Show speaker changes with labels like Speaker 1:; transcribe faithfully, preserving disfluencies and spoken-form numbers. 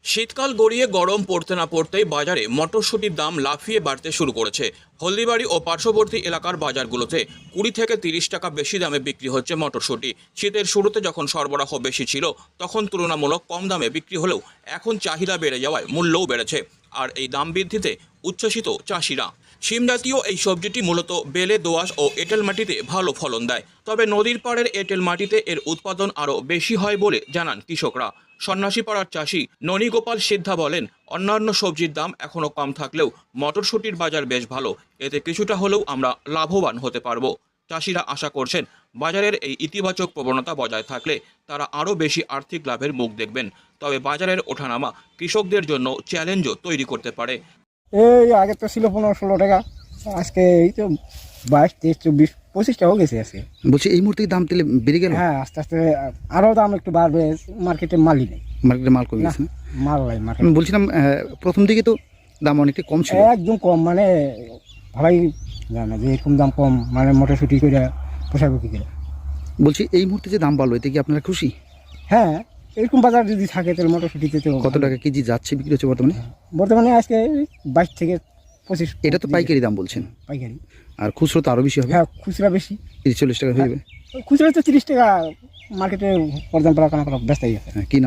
Speaker 1: শীতকাল গড়িয়ে গরম পড়তে না পড়তেই বাজারে মটরশুঁটির দাম লাফিয়ে বাড়তে শুরু করেছে। হলদিবাড়ি ও পার্শ্ববর্তী এলাকার বাজারগুলোতে কুড়ি থেকে তিরিশ টাকা বেশি দামে বিক্রি হচ্ছে মটরশুঁটি। শীতের শুরুতে যখন সরবরাহ বেশি ছিল তখন তুলনামূলক কম দামে বিক্রি হলেও এখন চাহিদা বেড়ে যাওয়ায় মূল্যও বেড়েছে। আর এই দাম বৃদ্ধিতে উচ্ছ্বসিত চাষিরা। শিম জাতীয় এই সবজিটি মূলত বেলে, দোআঁশ ও এঁটেল মাটিতে ভালো ফলন দেয়। তবে নদীর পাড়ের এঁটেল মাটিতে এর উৎপাদন আরও বেশি হয় বলে জানান কৃষকরা। সন্ন্যাসীপাড়ার চাষি ননীগোপাল সিদ্ধা বলেন, অন্যান্য সবজির দাম এখনও কম থাকলেও মটরশুঁটির বাজার বেশ ভালো। এতে কিছুটা হলেও আমরা লাভবান হতে পারবো। চাষিরা আশা করছেন বাজারের এই ইতিবাচক প্রবণতা বজায় থাকলে তারা আরও বেশি আর্থিক লাভের মুখ দেখবেন। তবে বাজারের ওঠানামা কৃষকদের জন্য চ্যালেঞ্জও তৈরি করতে পারে।
Speaker 2: এই আগে তো ছিল পনেরো ষোলো টাকা, আজকে এই তো বাইশ তেইশ চব্বিশ পঁচিশ টাকাও গেছে আজকে।
Speaker 3: বলছি এই মুহূর্তে কি দাম তেলে বেড়ে গেল?
Speaker 2: হ্যাঁ, আস্তে আস্তে আরও দাম একটু বাড়বে। মার্কেটে মালই নেই,
Speaker 3: মার্কেটে মাল কমে গেছে না?
Speaker 2: মাল নাই মার্কেট।
Speaker 3: আমি বলছিলাম আহ, প্রথম দিকে তো দাম অনেকটা কম ছিল।
Speaker 2: একদম কম, মানে ভাবাই জানে না যে এরকম দাম কম, মানে মটরশুঁটি করে পোশাক কি করে।
Speaker 3: বলছি এই মুহূর্তে যে দাম বাড়লো এতে কি আপনারা খুশি?
Speaker 2: হ্যাঁ, এরকম বাজার যদি থাকে তাহলে মটরশুঁটিতে তো
Speaker 3: কত টাকা কেজি যাচ্ছে বিক্রি হচ্ছে বর্তমানে?
Speaker 2: বর্তমানে আজকে বাইশ থেকে পঁচিশ।
Speaker 3: এটা তো পাইকারি দাম বলছেন,
Speaker 2: পাইকারি।
Speaker 3: আর খুচরো তো আরো বেশি হবে।
Speaker 2: হ্যাঁ, খুচরা বেশি,
Speaker 3: তিরিশ চল্লিশ টাকা হয়ে যাবে।
Speaker 2: খুচরা তো তিরিশ টাকা মার্কেটে পর্যন্ত ব্যস্ত হয়ে গেছে।
Speaker 3: হ্যাঁ, কি